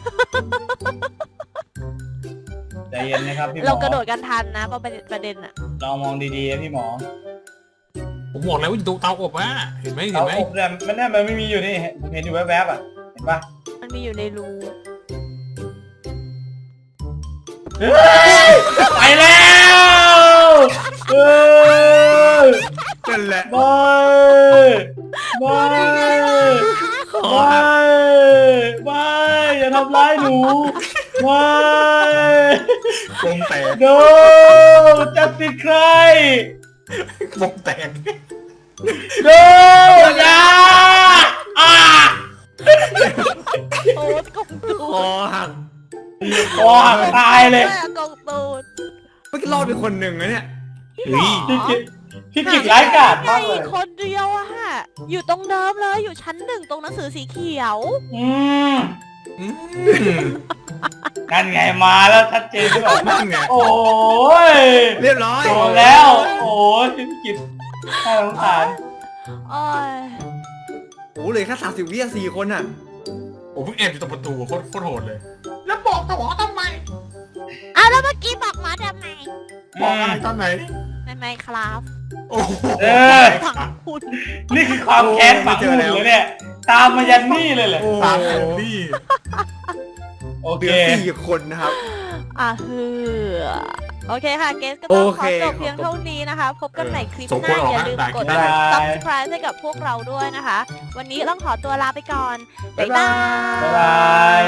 [SPEAKER 2] ใจเย็นนะครับพี่หมอ
[SPEAKER 3] เรากระโดดกันทันนะประเด็นประเด็นอะ
[SPEAKER 2] ลองมองดีๆนะพี่หมอ
[SPEAKER 4] ผมบอกแล้วว่าดูเตาอบอ่ะเห็นไหมเห็
[SPEAKER 2] เตาน
[SPEAKER 4] ไหม
[SPEAKER 2] อบเนี่ยมันเนี่ยมันไม่มีอยู่นี่ผมเห็นอยู่แวบๆอ่ะเห็นปะ
[SPEAKER 3] มันมีอยู่ในรู
[SPEAKER 2] เฮ้ยไปแล้วเออ
[SPEAKER 5] นั่นแหละ
[SPEAKER 2] ไม่ไม่ไม่ไม่อย่าทำร้ายหนูไม่
[SPEAKER 4] กลมแตก
[SPEAKER 2] โนจะติดใคร
[SPEAKER 4] กลมแตก
[SPEAKER 2] โนอย่าอ่า
[SPEAKER 3] โอ้กงตู
[SPEAKER 5] คอหัก
[SPEAKER 2] โอ้ตายเลย
[SPEAKER 3] กงตูด
[SPEAKER 5] เมื่อกี้รอดไปคนหนึ่งนะเนี่ย
[SPEAKER 4] เฮ้ย
[SPEAKER 2] พี่กิจพี่กิจร้ายกาจมากเลย
[SPEAKER 3] คนเดียวอะฮะอยู่ตรงเดิมเลยอยู่ชั้นหนึ่งตรงหนังสือสีเขียว
[SPEAKER 2] อืม
[SPEAKER 4] อืม
[SPEAKER 2] นั่นไงมาแล้วชัดเจนใช่ไหม
[SPEAKER 4] นั่นไง
[SPEAKER 2] โอ้ย
[SPEAKER 5] เรียบร้อย
[SPEAKER 2] โดนแล้ว โอ้ยพี่กิจน่าสงสาร
[SPEAKER 3] โอ้ย
[SPEAKER 5] โอ้เหลยแค่สามสิบวิอ่ะสี่คนอ่ะ
[SPEAKER 4] ผมเพิ่งแอบอยู่ตรงประตูโคตรโคตรโหดเลย แล้วบอกต่อทำไม
[SPEAKER 3] อ้าวแล้วเมื่อกี้บอกหมาทำไม
[SPEAKER 4] บอกอะไรตอนไหน
[SPEAKER 3] ในไมค์ครับ
[SPEAKER 4] โอ้โห
[SPEAKER 2] เออ
[SPEAKER 3] ฝังคุณ
[SPEAKER 2] นี่คือความแค้นฝังหุ่นเลยเนี่ย ตามมายันนี่เลยเหรอ
[SPEAKER 5] โอ้
[SPEAKER 4] ตามแอนดี้
[SPEAKER 2] โอ
[SPEAKER 5] เห
[SPEAKER 2] เค
[SPEAKER 5] ลือสี่คนนะครับ
[SPEAKER 3] อ่ะฮือโอเคค่ะ เกสก็ต้อง
[SPEAKER 5] โอ
[SPEAKER 3] ข
[SPEAKER 5] เค
[SPEAKER 3] อจบเพียงเท่านี้นะคะ พบกันใหม่คลิป
[SPEAKER 4] สม
[SPEAKER 3] ห
[SPEAKER 4] ควร
[SPEAKER 3] น้า
[SPEAKER 4] ออก
[SPEAKER 3] อย่า
[SPEAKER 4] นะ
[SPEAKER 3] ลืม
[SPEAKER 4] ได้
[SPEAKER 3] กด
[SPEAKER 4] ได้
[SPEAKER 3] subscribe ให้กับพวกเราด้วยนะคะ วันนี้ต้องขอตัวลาไปก่อน บ๊ายบาย
[SPEAKER 2] บ๊ายบาย